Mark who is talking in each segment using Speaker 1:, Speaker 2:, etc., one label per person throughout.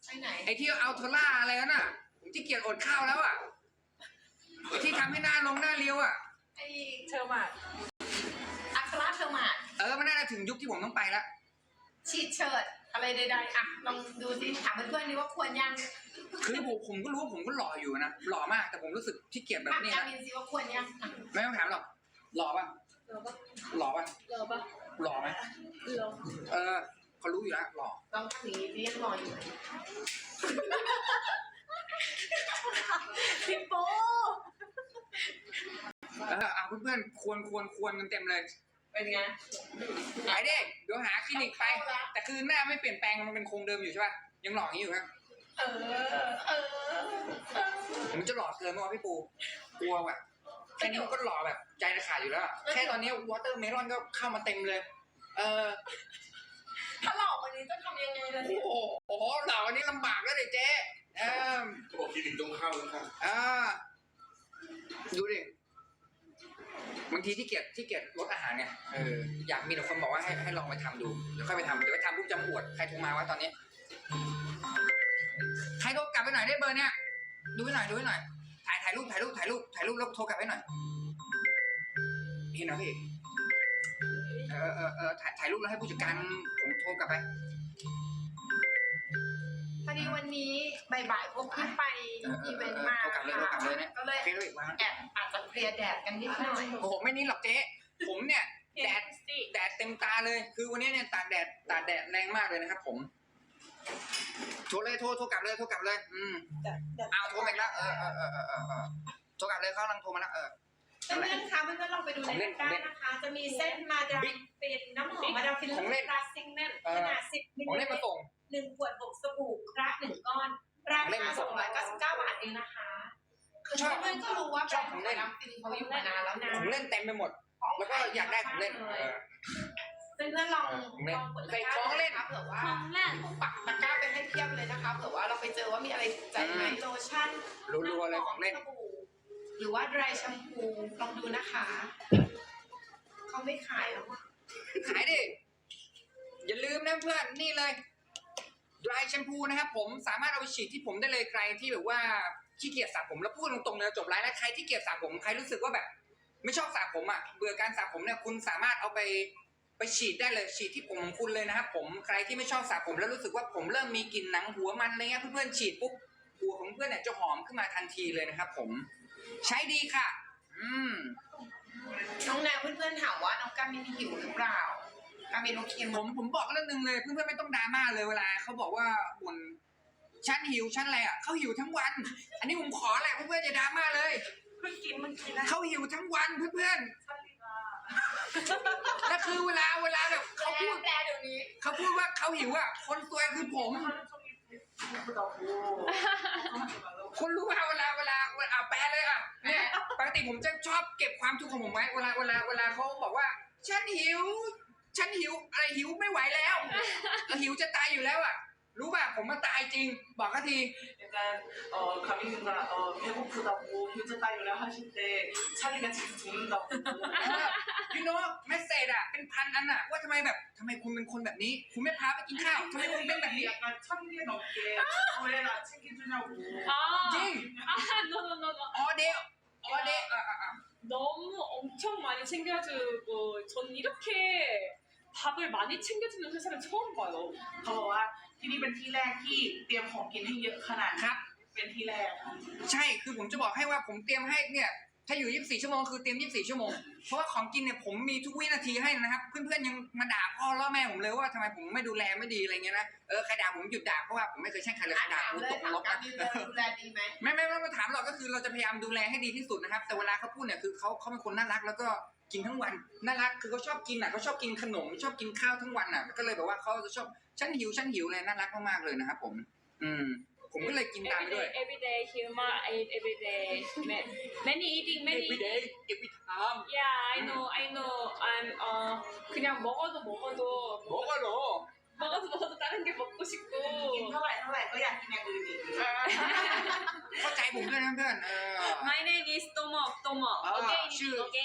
Speaker 1: ไปไหน
Speaker 2: ไอ้ที่เอาโทล่าอะไรน่ะผมที่เกียจอดข้าวแล้วอ่ะไอ้ที่ทำให้หน้าลงหน้าเลี้ยวอ่ะ
Speaker 1: ไอเทอร์มาดอัคราเทอร์มาด
Speaker 2: มันน่าจะถึงยุคที่ผมต้องไปแล้ว
Speaker 1: ฉีดเชิดอะไรใดๆอ่ะลองดูสิถามเพื่อนๆนี่ว่าควรยัง
Speaker 2: คือผมก็รู้ว่าผมก็หล่ออยู่นะหล่อมากแต่ผมรู้สึกที่เกียจแบบนี้
Speaker 1: ถาม
Speaker 2: นะ
Speaker 1: มินสิว่าควรยัง
Speaker 2: ไม่ต้องถามหรอกหล่อป่ะหล่อป่ะหล่อไหมเขารู้อยู่แล้วหล่อ
Speaker 1: ลองทำอย่างนี้ดิยังรออยู่พี่โป้
Speaker 2: เพื่อนๆควรกันเต็มเลย
Speaker 1: เป็นไง
Speaker 2: หายดิเดี๋ยวหาคลินิกไปแต่คือหน้าไม่เปลี่ยนแปลงมันเป็นคงเดิมอยู่ใช่ป่ะยังหล่ออย่างนี้อยู่ครับมันจะหล่อเกินมั้ยพี่ปูกลัวแบบแค่นี้มันก็หล่อแบบใจจะขาดอยู่แล้วแค่ตอนนี้วอเตอร์เมลอนก็เข้ามาเต็มเลย
Speaker 1: ถ้าหล่อวันนี้จะทำยังไงล่ะเนี่ย
Speaker 2: โอ้โหหล่อวันนี้ลำบากแล้วเด็กเจ๊
Speaker 3: เขาบอกคลินิกต้องเข้าแล้วค่ะ
Speaker 2: ดูดิบางทีที่เกียจลดอาหารเนี่ยอยากมีแต่คนบอกว่าให้ลองไปทำดูเดี๋ยวค่อยไปทำเดี๋ยวไปทำปุ๊บจะอวดใครโทรมาว่าตอนนี้ใครโทรกลับไปหน่อยได้เบอร์เนี้ยดูให้หน่อยถ่ายรูปแล้วโทรกลับให้หน่อยเห็นเหรอพี่ถ่ายรูปแล้วให้ผู้จัดการผมโทรกลับไป
Speaker 1: พอดีวันนี้บ่ายๆพวกพี่ไปอีเวนต์มา
Speaker 2: ก็เลย
Speaker 1: อาจจะเพลียแดดกันนิดหน่อย
Speaker 2: โอ้โหไม่นิดหรอกเจ๊ผมเนี่ยแดดเต็มตาเลยคือวันนี้เนี่ยตากแดดแรงมากเลยนะครับผมโทรกลับเลยเอาโทรมาแล้วโทรกลับเลยเขากำลังโทรมาแล้ว
Speaker 1: เพื่อนๆคะเพื่อนๆลองไปดูในตะกร้านะคะจะมีเส้นมาดามเป็นน้ำหอมมาดามฟินพลาสติกแน่นขนาด10 มิลลิลิตร1 ขวด6 สบู่คระ1 ก้อนราคา299 บาทเองนะคะคือเพื่อนๆก็รู้ว่าแบรนด์ของมาดามฟินเขาอยู่มานานแล้วนะ
Speaker 2: ของเล่นเต็มไปหมดแล้วก็อยากได้ของเล่น
Speaker 1: เพื่อนๆลองกดตะกร้าของเล่นเผื่อว่าปักตะกร้าไปให้เพียบเลยนะคะเผื่อว่าเราไปเจอว่ามีอะไรใจไหมโลชั่น
Speaker 2: รัวๆเลยของเล่น
Speaker 1: หรือว่าดรายแชมพูลองดูนะคะเขาไม่ขายหรอก
Speaker 2: ขายดิอย่าลืมนะเพื่อนนี่เลยดรายแชมพูนะครับผมสามารถเอาไปฉีดที่ผมได้เลยใครที่แบบว่าขี้เกียจสระผมแล้วพูดตรงๆเลยจบไลฟ์แล้วใครที่เกียจสระผมใครรู้สึกว่าแบบไม่ชอบสระผมเบื่อการสระผมเนี่ยคุณสามารถเอาไปฉีดได้เลยฉีดที่ผมของคุณเลยนะครับผมใครที่ไม่ชอบสระผมแล้วรู้สึกว่าผมเริ่มมีกลิ่นหนังหัวมันอะไรเงี้ยเพื่อนๆฉีดปุ๊บหัวของเพื่อนเนี่ยจะหอมขึ้นมาทันทีเลยนะครับผมใช้ดีค่ะ
Speaker 1: น้องแนวเพื่อนๆถามว่าน้องกามินหิวหรือเปล่ากามินโอเค
Speaker 2: ผมบอกเรื่องนึงเลยเพื่อนๆไม่ต้องดราม่าเลยเวลาเขาบอกว่าบ่นฉันหิวฉันอะไรเขาหิวทั้งวันอันนี้ผมขอแหละเพื่อนๆอย่าดราม่าเลย
Speaker 1: เพิ่งกินนะ
Speaker 2: เขาหิวทั้งวันเพื่อนๆแล้วคือเวลาแบบเขาพูด
Speaker 1: แปลเดี๋ยวนี้
Speaker 2: เขาพูดว่าเขาหิวคนซวยคือผมคุณรู้ว่าเวลาแปลเลยเนี่ยปกติผมจะชอบเก็บความทุกข์ของผมไว้เวลาเขาบอกว่าฉันหิวอะไรหิวไม่ไหวแล้วหิวจะตายอยู่แล้วรู้ป่ะผมมาตายจริงบอกเขาที
Speaker 3: 가민이가 배고프다고 휴즈다이를 하실 때 찰리가 진짜 죽는다고
Speaker 2: you know เมสเซจเป็นพันอันว่าทำไมคุณเป็นคนแบบนี้คุณไม่พาไปกินข้าวทำไมคุณเป็นแบบนี้
Speaker 3: 약간 1000개 넘게 왜 나 챙겨주냐고
Speaker 2: จริงall day
Speaker 4: 너무 엄청 많이 챙겨주고 전 이렇게 밥을 많이 챙겨주는 회사를 처음 봐요.
Speaker 3: เขาบอกว่าที่นี่เป็นที่แรกที่เตรียมของกินให้เยอะขนาด
Speaker 2: ครับ
Speaker 3: เป็นที่แรก
Speaker 2: ใช่คือผมจะบอกให้ว่าผมเตรียมให้เนี่ยถ้าอยู่24 ชั่วโมงคือเตรียม24 ชั่วโมงเพราะว่าของกินเนี่ยผมมีทุกวินาทีให้นะครับเพื่อนๆยังมาด่าพ่อล่อแม่ผมเลยว่าทำไมผมไม่ดูแลไม่ดีอะไรเงี้ยนะใครด่าผมหยุดด่าเพราะว่าผมไม่เคยแช่งใครเลยใครด่าผมตกนรกนะ
Speaker 1: ดูแลดีไหม
Speaker 2: ไม่มาถามหรอกก็คือเราจะพยายามดูแลให้ดีที่สุดนะครับแต่เวลาเขาพูดเนี่ยคือเขาเป็นคนน่ารักแล้วก็กินทั้งวันน่ารักคือเขาชอบกินเขาชอบกินขนมชอบกินข้าวทั้งวันก็เลยแบบว่าเขาจะชอบฉันหิวเลยน่ารักมากๆเลยนะครับผมก็เลยกินตามไปด้วย
Speaker 4: everyday humor eat everyday many eating many
Speaker 2: everyday every time
Speaker 4: yeah I know I'm 그냥 먹어도 다른 게 먹고 싶고
Speaker 3: กินเท่าไหร่ก็อยากกินอย่างอื่นอีก
Speaker 2: เข้าใจผมด้วยนะเพื่อน
Speaker 4: My name is Tomok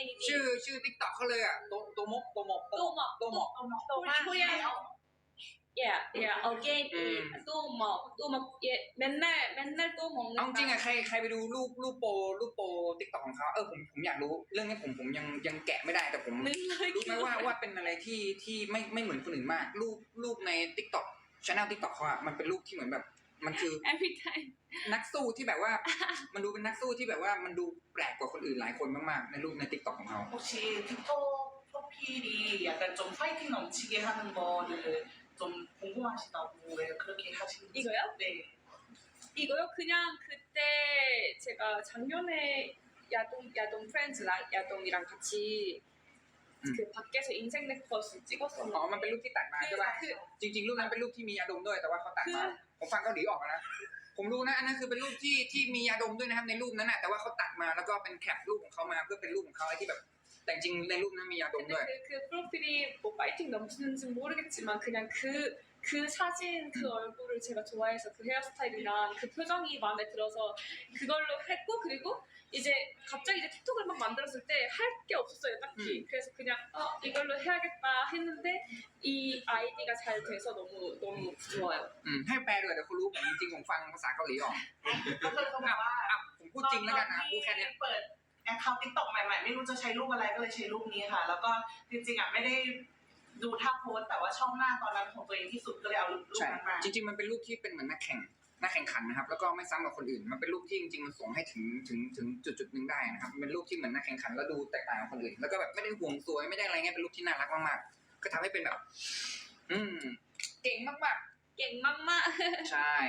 Speaker 2: ชื่อ TikTok เขาเลยโตมก
Speaker 4: พูด again 또막 맨날 또
Speaker 2: เอาจริง
Speaker 4: 먹는다.
Speaker 2: อะใครไปดูรูปโปติ๊กต็อกของเขาผมอยากรู้เรื่องนี้ผมยังแกะไม่ได้แต่ผม
Speaker 4: 맨날
Speaker 2: รู้ไหมว่าเป็นอะไรที่ไม่เหมือนคนอื่นมากรูปในติ๊กต็อกchannelติ๊กต็อกเขาอะมันเป็นรูปที่เหมือนแบบมันคือ
Speaker 4: every time.
Speaker 2: นักสู้ที่แบบว่า มันดูเป็นนักสู้ที่แบบว่ามันดูแปลกกว่าคนอื่นหลายคนมากๆในรูปในติ๊กต็อกของเขา
Speaker 3: 혹시 틱톡 프로필이 약간 좀 파이팅 넘치게 하는 거를 좀 궁금하시다고 왜 그렇게 하시는지.
Speaker 4: 이거요?
Speaker 3: 네.
Speaker 4: 이거요? 그냥 그때 제가 작년에 야동 프렌즈 야동이랑 같이 그 밖에서 인생 네컷을
Speaker 2: อ๋อมันเป็นรูป
Speaker 4: 찍었었는데
Speaker 2: ที่ตัดมาใช่ป่ะ จริงๆ รูปนั้นเป็นรูปที่มียาดมด้วยแต่ว่าเขาตัดมา ผมฟังเกาหลีออกนะ ผมรู้นะอันนั้นคือเป็นรูปที่มียาดมด้วยนะครับในรูปนั้นนะแต่ว่าเขาตัดมาแล้วก็เป็นแคปรูปของเขามาเพื่อเป็นรูปของเขาไอ้ที่แบบ แต่จริงในรูปนั้นมียาดมด้วย
Speaker 4: 근데 그 프로필이 뭐 파이팅 넘치는지 모르겠지만 그냥 그 사진 그 얼굴을 제가 좋아해서 그 헤어스타일이랑 그 표정이 마음에 들어서 그걸로 했고 그리고 이제 갑자기 이제 틱톡을 막 만들었을 때 할 게 없었어요 딱히 그래서 그냥 이걸로 해야겠다 했는데 이 아이디가 잘 돼서 너무 좋아요.
Speaker 2: ให้แปลด้วยแต่เขารู้ผมจริงๆผมฟังภาษาเกาหลีออก
Speaker 3: ก็คือเขาบอกว่า
Speaker 2: ผมพูดจริงแล้วกันนะพูดแค่เนี้ย
Speaker 3: เปิดแอคเคาท์ติ๊กต็อกใหม่ๆ ไม่รู้จะใช้รูปอะไรก็เลยใช้รูปนี้ค่ะ แล้วก็จริงๆอ่ะไม่ได้ดูท่าโพสแต่ว่าชอบหน้าตอนนั้นของตัวเองที่สุดก็เลยเอารูป
Speaker 2: ใช่
Speaker 3: นั้นมา
Speaker 2: จริงๆมันเป็นรูปที่เป็นเหมือนนักแข่งขันนะครับแล้วก็ไม่ซ้ำกับคนอื่นมันเป็นรูปที่จริงๆมันส่งให้ถึงจุดหนึ่งได้นะครับมันเป็นรูปที่เหมือนนักแข่งขันแล้วดูแตกต่างกับคนอื่นแล้วก็แบบไม่ได้ห่วงสวยไม่ได้อะไรเงี้ยเป็นรูปที่น่ารักมากๆก็ทำให้เป็นแบบ เก่งมาก
Speaker 4: 깽맘마
Speaker 2: ๆใช่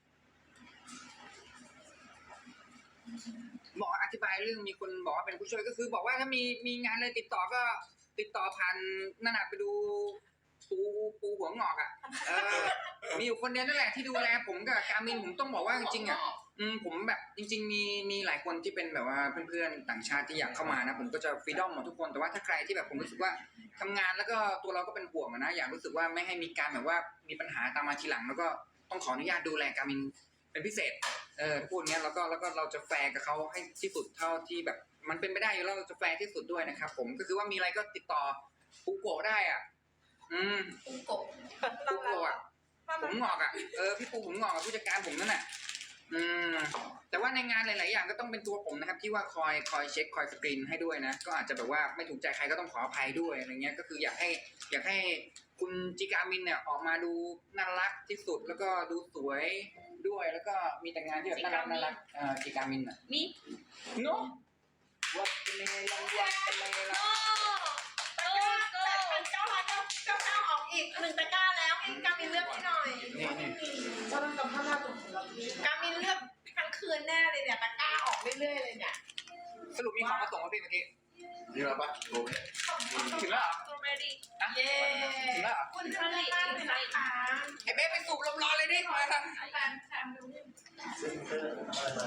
Speaker 2: บอกอธิบายเรื่องมีคนบอกว่าเป็นผู้ช่วยก็คือ บอกว่าถ้ามีงานอะไรติดต่อก็ติดต่อผ่านนั่นน่ะไปดูปูหัวงอกอ่ะมีอยู่คนเดียวนั่นแหละที่ดูแลผมกับการมินผมต้องบอกว่าจริงๆอ่ะผมแบบจริงๆมีหลายคนที่เป็นแบบว่าเพื่อนๆต่างชาติที่อยากเข้ามานะผมก็จะฟรีดอมหมดทุกคนแต่ว่าถ้าใครที่แบบผมรู้สึกว่าทำงานแล้วก็ตัวเราก็เป็นห่วงนะอยากรู้สึกว่าไม่ให้มีการแบบว่ามีปัญหาตามมาทีหลังแล้วก็ต้องขออนุญาตดูแลการมินเป็นพิเศษพูดเงี้ยแล้วก็เราจะแฟร์กับเขาให้ที่สุดเท่าที่แบบมันเป็นไปได้อยู่แล้วเราจะแฟร์ที่สุดด้วยนะครับผมก็คือว่ามีอะไรก็ติดต่อปูโกะได้อ่ะ
Speaker 1: ปูโกะ
Speaker 2: ปูโกะอ่ะผมงอกอ่ะพี่ปูผมงอกกับผู้จัดการผมนั่นแหละแต่ว่าในงานหลายๆอย่างก็ต้องเป็นตัวผมนะครับที่ว่าคอยเช็คคอยสกรีนให้ด้วยนะก็อาจจะแบบว่าไม่ถูกใจใครก็ต้องขออภัยด้วยอะไรเงี้ยก็คืออยากให้คุณจิกามินเนี่ยออกมาดูน่ารักที่สุดแล้วก็ดูสวยด้วยแล้วก็มีแต่งานที่แบบน่ารักจิกามินอ่ะ
Speaker 4: 미?
Speaker 2: เนาะวัดกันเลยละวัดกันเลยละ
Speaker 1: 8,999ออกอีก1ตะกร้าแล้วให้กามินเลือกให้หน่อย
Speaker 2: นี่
Speaker 3: 사람과 하나도 몰랐고
Speaker 1: กามินเลือกทั้งคืนแน่เลยเนี่ยตะกร้าออกเรื่อยๆเลยเนี่ย
Speaker 2: สรุปมีของมาส่งมาพี่เมื่อกี้
Speaker 5: นี่เราปะโอเค
Speaker 2: ถึงแล้วเหรอ
Speaker 4: 스트로베리
Speaker 2: อ่ะ
Speaker 1: เย้
Speaker 2: ถึงแล้วเหรอ
Speaker 1: คุณท่านมากเลยนะคะ
Speaker 2: ไอ้เบ๊ไปสูบลมร้อนเลยดิมาครับ
Speaker 1: แฟนดู
Speaker 5: เซ็นเตอร์อะไร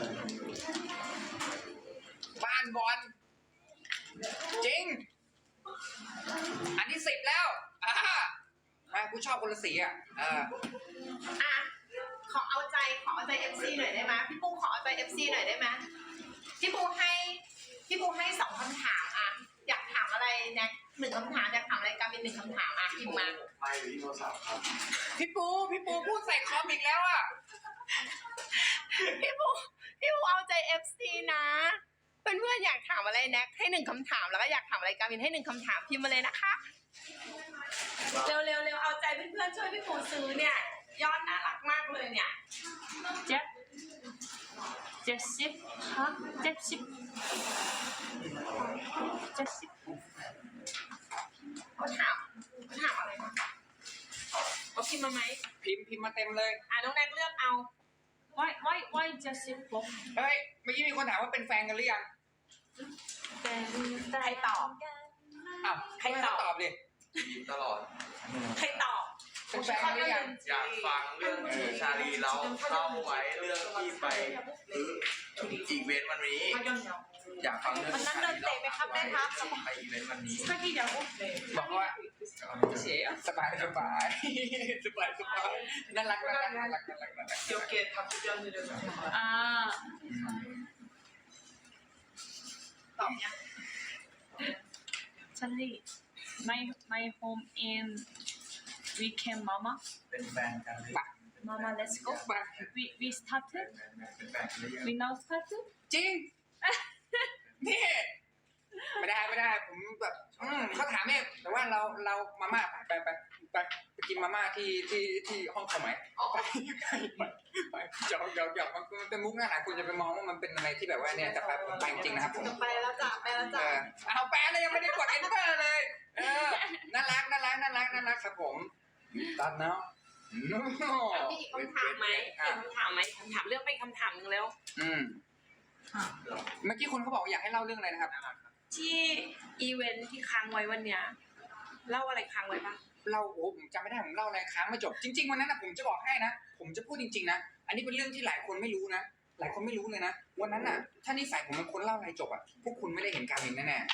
Speaker 5: มา
Speaker 2: บ้านบอลจริง อันที่10แล้วมากูชอบคนละสีอ่ะ
Speaker 1: อ่ะขอเอาใจ FC หน่อยได้ไหมพี่ปูขอเอาใจ FC หน่อยได้ไหมพี่ปูให้2คำถามอ่ะอยากถามอะไรนะ1คำถามอยากถามอะไรกามิน1คำถามอ่ะพิมพ์มา
Speaker 5: ไม่หรือที่โทรศัพท์ครับ
Speaker 2: พี่ปูพูดใส่คอมอีกแล้วอ่ะ
Speaker 1: พี่ปูเอาใจ FC นะเพื่อนๆอยากถามอะไรแน็กให้1คำถามแล้วก็อยากถามอะไรกามินให้1คำถามพิมพ์มาเลยนะคะเร็วเอาใจเพื่อนๆช่วยพี่ปูซื้อเนี่ยยอดน่ารักมากเลยเนี่ย
Speaker 4: 잽십
Speaker 1: เขาถามอะไรนะเอาพิมพ์มาไหม
Speaker 2: พิมพ์มาเต็มเลย
Speaker 1: น้องแน็กเลือกเอา
Speaker 4: why 잽십 뭐?
Speaker 2: เฮ้ยเมื่อกี้มีคนถามว่าเป็นแฟนกันหรือยัง
Speaker 1: ใครตอบ
Speaker 2: อ้าว
Speaker 1: ใครตอบ
Speaker 2: ตอบดิ
Speaker 5: ยิ้มตลอด
Speaker 1: ใครตอบ
Speaker 2: เป็นแฟนกันหรือยัง
Speaker 5: อยากฟังเรื่องชาลีเราเล่าไว้เรื่องที่ไปอีเวนต์วันนี้ อยากฟังเรื่องชาลีเล่าไว้ไปอีเวนต์วันนี้
Speaker 4: 사귀냐고?
Speaker 2: บอกว่า
Speaker 4: 끝이에요?
Speaker 2: สบายน่ารัก
Speaker 3: 귀엽게 답변드려서 정말
Speaker 4: 아
Speaker 1: ตอบยัง
Speaker 4: 찰리 my home in We can mama
Speaker 5: เป็นแฟนกันหรือ
Speaker 4: mama let's go
Speaker 2: ไป
Speaker 4: we started
Speaker 5: เป็นแฟนกันหรือยัง
Speaker 4: we now started
Speaker 2: จริง นี่ไม่ได้ผมแบบเขาถามเองแต่ว่าเรามาม่าไปกินมาม่าที่ห้องเขาไหมไปหยอกมันเป็นมุกน่ารักคุณจะไปมองว่ามันเป็นอะไรที่แบบว่าเนี่ยแต่ไปจริงนะครับผม
Speaker 3: ไปแล้วจ้ะไปแล้วจ้ะ
Speaker 2: เอาแปะเลยยังไม่ได้กด enter เลยน่ารักครับผมตัดเนาะ
Speaker 1: มีอีกคำถามไหมคำถามเรื่องไปคำถามนึงแล้ว
Speaker 2: เมื่อกี้คุณเขาบอกอยากให้เล่าเรื่องอะไรนะครับ
Speaker 1: ที่อีเวนท์ที่ค้างไว้วันเนี้ยเล่าอะไรค้างไว้ปะ
Speaker 2: ผมจำไม่ได้ผมเล่าอะไรค้างไม่จบจริงๆวันนั้นนะผมจะบอกให้นะผมจะพูดจริงๆนะอันนี้เป็นเรื่องที่หลายคนไม่รู้นะหลายคนไม่รู้เลยนะวันนั้นน่ะถ้านิสัยผมเป็นคนเล่าอะไรจบอ่ะพวกคุณไม่ได้เห็นการเห็นแน่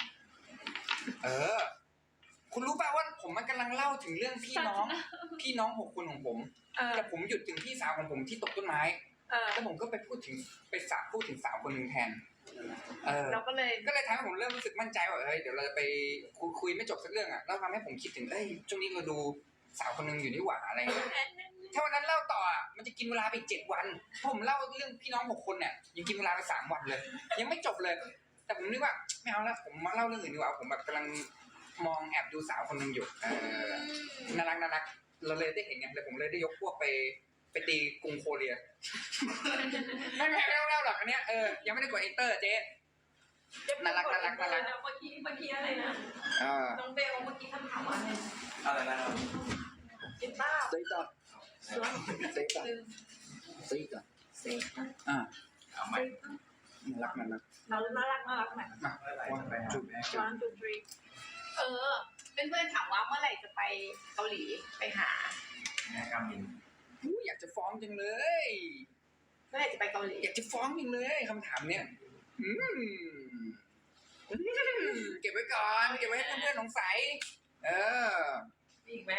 Speaker 2: ๆคุณรู้ป่ะว่าผมมันกำลังเล่าถึงเรื่องพี่น้อง6 คนของผมแต่ผมหยุดถึงพี่สาวของผมที่ตกต้นไม้แล้วผมก็ไปพูดถึงสาวคนหนึ่งแทน
Speaker 1: เราก็เลย
Speaker 2: ทำให้ผมเริ่มรู้สึกมั่นใจว่าเดี๋ยวเราจะไปคุยไม่จบสักเรื่องอ่ะแล้วทำให้ผมคิดถึงช่วงนี้เราดูสาวคนหนึ่งอยู่นี่หว่าอะไรเงี้ยถ้าวันนั้นเล่าต่อมันจะกินเวลาไป7 วันผมเล่าเรื่องพี่น้อง6 คนเนี่ยยังกินเวลาไป3 วันเลย ยังไม่จบเลย แต่ผมนึกว่าไม่เอาแล้วผมมาเล่าเรื่องอื่นดีกว่าผมแบบกำลังมองแอบดูสาวคนหนึ่งอยู่น่ารักเราเลยได้เห็นไงเลยผมเลยได้ยกพวกไปตีกรุงโคเรียไม่เล่าหรอกอันเนี้ยยังไม่ได้กด enter เจ๊น่ารัก
Speaker 1: เมื่อกี้อะไรนะน้องเบลเมื่อกี้คำถามว่าอะไร
Speaker 5: อะไรนะครับ
Speaker 1: กินบ้า
Speaker 2: Say that. Ah,
Speaker 5: เอาใหม่
Speaker 2: น่ารัก
Speaker 1: น่ารักไหม
Speaker 2: มาวันไปจุด
Speaker 1: 1 2 3เพื่อนๆถามว่าเมื่อไหร่จะไปเกาหลีไปหา
Speaker 5: แม่กามิน
Speaker 2: อยากจะฟ้องจังเลย
Speaker 1: เมื่อไหร่จะไปเกาหลี
Speaker 2: อยากจะฟ้องจังเลยคำถามเนี้ยเก็บไว้ก่อนเก็บไว้ให้เพื่อนๆสงสัย
Speaker 1: มีอีกไหม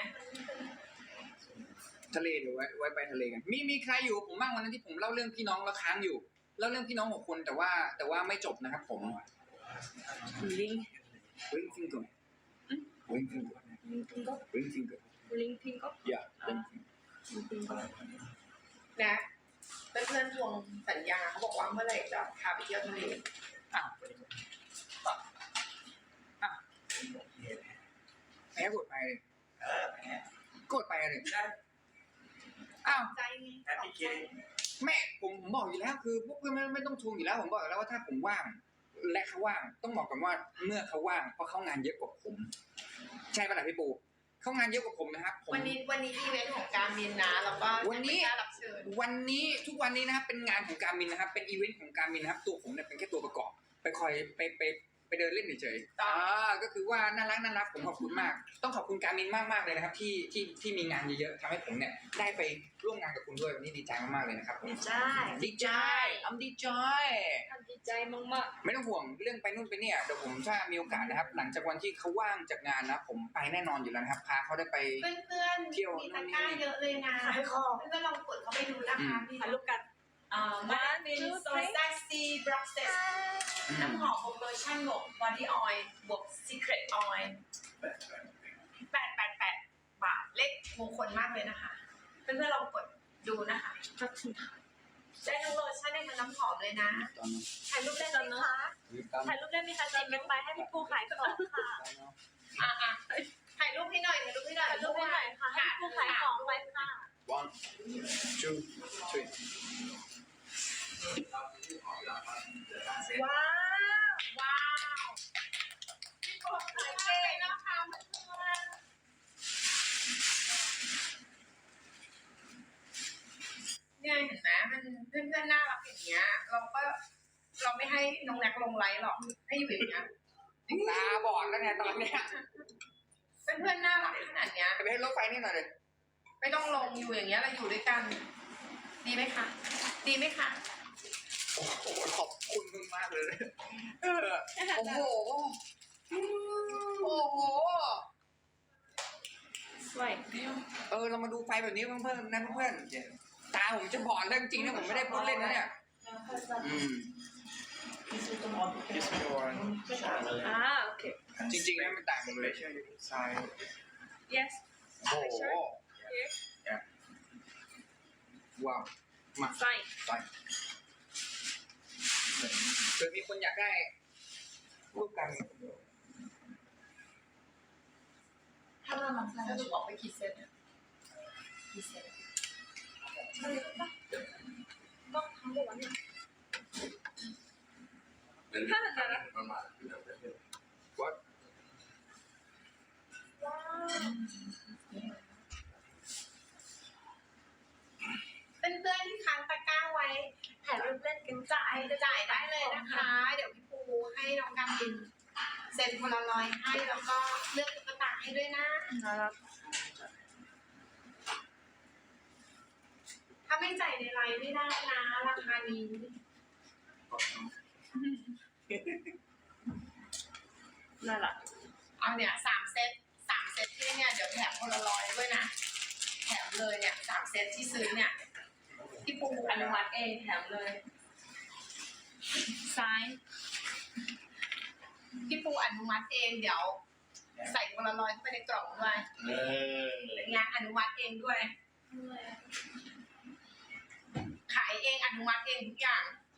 Speaker 2: ทะเลเดี๋ยวไว้ไปทะเลกันมีใครอยู่ผมบ้างวันนั้นที่ผมเล่าเรื่องพี่น้องแล้วค้างอยู่เล่าเรื่องพี่น้อง6 คนแต่ว่าไม่จบนะครับผม
Speaker 4: ring
Speaker 2: Ring finger
Speaker 4: ring finger
Speaker 2: yeah ring finger
Speaker 1: นะเพื่อนๆทวงสัญญาเขาบอกว่าเมื่อไหร่จะพาไปเที่ยวทะเล
Speaker 2: แพ้กดไปเลยกดไปเลยอ้าว
Speaker 1: ใจไง
Speaker 5: แฮปปี้คิด
Speaker 2: แม่ผมบอกอยู่แล้วคือพวกเพื่อนไม่ต้องทวงอยู่แล้วผมบอกอยู่แล้วว่าถ้าผมว่างและเขาว่างต้องบอกก่อนว่าเมื่อเขาว่างเพราะเขางานเยอะกว่าผมใช่ป่ะล่ะพี่ปูเขางานเยอะกว่าผมนะครับ
Speaker 1: วันนี้อีเวนต์ของการมินนะแล้วก็วันนี้รับเชิญ
Speaker 2: วันนี้ทุกวันนี้นะครับเป็นงานของการมินนะครับเป็นอีเวนต์ของการมินนะครับตัวผมเนี่ยเป็นแค่ตัวประกอบไปคอยไปเดินเล่นเฉยๆก็คือว่าน่ารักผมขอบคุณมากต้องขอบคุณการมินมากๆเลยนะครับที่มีงานเยอะๆทำให้ผมเนี่ยได้ไปร่วมงานกับคุณด้วยวันนี้ดีใจมากๆเลยนะครับดีใจดีใจ
Speaker 4: มาก
Speaker 2: ไม่ต้องห่วงเรื่องไปนู่นไปเนี่ยเดี๋ยวผมถ้ามีโอกาสนะครับหลังจากวันที่เขาว่างจากงานนะผมไปแน่นอนอยู่แล้วนะครับพาเขาได้ไป
Speaker 1: เพื่อนๆมีตะกร้าเยอะเลยนะเพื่อนๆลองกดเข้าไปดูนะคะถ่ายรูปกันมาเป็นโซซัสซีบล็อกเซสน้ำหอมโลชั่นบวกบอดี้ออยล์บวกซีเครตออยล์888 บาทเลขมงคลมากเลยนะคะเพื่อนๆลองกดดูนะคะได้ทั้งโลชั่นได้ทั้งน้ำหอมเลยนะถ่ายรูปได้ไหมคะถ่ายรูปได้ไหมคะจิบไปให้พี่ปูขายของค่ะถ่ายรูปให้หน่อยค่ะให้พี่ปูขายของไปค่ะ
Speaker 2: 1 2 3
Speaker 1: ว้าวพี่ปูขายเก่งนะคะเนี่ยเห็นไหมมันเพื่อนๆน่ารักอย่างเงี้ยเราไม่ให้น้องแน็กลงไลฟ์หรอกให้อยู่อย่างเงี้ย
Speaker 2: ตาบอดแล้วไงตอนเนี้ย
Speaker 1: เพื่อนๆน่ารักขนาดเนี้ย
Speaker 2: ไปให้รถไฟนี่หน่อยเลย
Speaker 1: ไม่ต้องลงอยู่อย่างเงี้ยเราอยู่ด้วยกันดีไหมคะ
Speaker 2: โอ้โหขอบคุณมึงมากเลยโอ้โห
Speaker 4: สวย
Speaker 2: เรามาดูไฟแบบนี้เพื่อนๆนะเพื่อนตาผมจะบอดเรื่องจริงนะผมไม่ได้พูดเล่นนะเนี่ย
Speaker 4: โอเค
Speaker 2: จริงๆนะมันต่างกันเลย
Speaker 5: ใช่
Speaker 4: yes
Speaker 2: โอ้โห ว้าว มา
Speaker 4: 사인.
Speaker 2: ไปเกิดมีคนอยากได้รูปกัน
Speaker 1: 하나만 사가지고 어깨 기세 기세
Speaker 4: 하면 되나?
Speaker 5: มันมา
Speaker 1: เพื่อนๆที่ค้างตะกร้าไว้ถ่ายรูปเล่นกันจ่ายได้เลยนะคะ เดี๋ยวพี่ปูให้น้องการบินเซ็นโพลารอยด์ให้แล้วก็เลือกตุ๊กตาให้ด้วยนะ ถ้าไม่จ่ายในไลน์ไม่ได้นะราคานี้
Speaker 4: 나라.
Speaker 1: เอาเนี่ย3 เซตที่เนี่ยเดี๋ยวแถมโพลารอยด์ด้วยนะแถมเลยเนี่ย3 เซตที่ซื้อเนี่ยพี่ปูอนุมัติเองแถมเลย
Speaker 4: 사인.
Speaker 1: พี่ปูอนุมัติเองเดี๋ยวใส่โพลารอยด์เข้าไปในกล่องด้วยเป็นไงอนุมัติเองด้วย ขายเองอนุมัติเองทุกอย่าง